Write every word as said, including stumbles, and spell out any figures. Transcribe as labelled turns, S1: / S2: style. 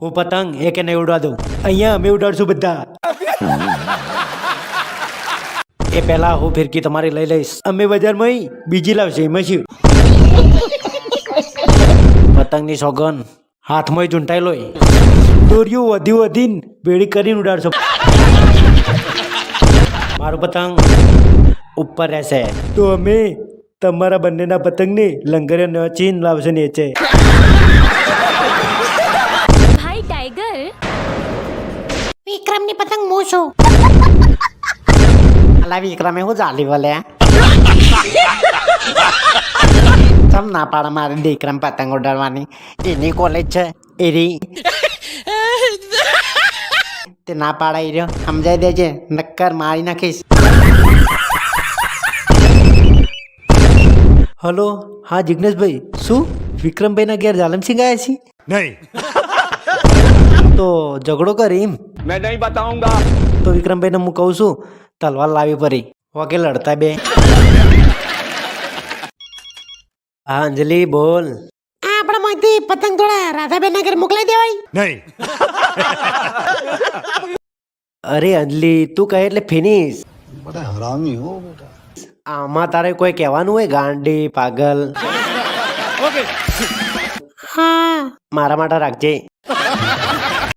S1: હું પતંગ એક નહીં ઉડવા દઉં. અહીંયા અમે ઉડાડશું બધા. એ પહેલા હું ફિરકી તમારી લઈ લઈશ. અમે બજારમાં બીજી લાવશે એમાં શું? પતંગની સોગન હાથમાં ચૂંટાઈ લોય. દોરીઓ વધી વધીને ભેળી કરીને ઉડાડશો. મારું પતંગ ઉપર રહેશે તો અમે તમારા બંનેના પતંગને લંગરે નચીને લાવશે નીચે.
S2: ભાઈ ટાઈગર,
S3: વિક્રમની પતંગ હું છું.
S4: અલા વિક્રમે હું ચાલી બોલે તમ ના પાડે મારે વિક્રમ પતંગ ઉડાડવાની. એની કોલેજ છે એરી તે ના પાડાઈ રહ્યો. સમજાઈ દેજે નક્કર મારી નાખીશ.
S1: હલો, હા જિગ્નેશભાઈ, શું વિક્રમભાઈના ઘેર જાલમસિંહ આવ્યા છે?
S5: नहीं
S1: તો ઝઘડો કરી એમ?
S5: मैं नहीं बताऊंगा.
S1: તો વિક્રમભાઈને હું કહું છું તલવાર લાવી પડી વકે લડતા બે. હા અંજલિ બોલ.
S3: આ આપણા માંથી પતંગ થોડા રાધાબેન ના ઘરે મોકલાઈ દેવાય.
S5: नहीं
S1: અરે અંજલિ તું કહે એટલે ફિનિશ.
S6: बड़ा हरामी हो बेटा.
S1: આમાં તારે કોઈ કહેવાનું હોય ગાંડી પાગલ?
S3: હા
S1: મારા માટે રાખજે.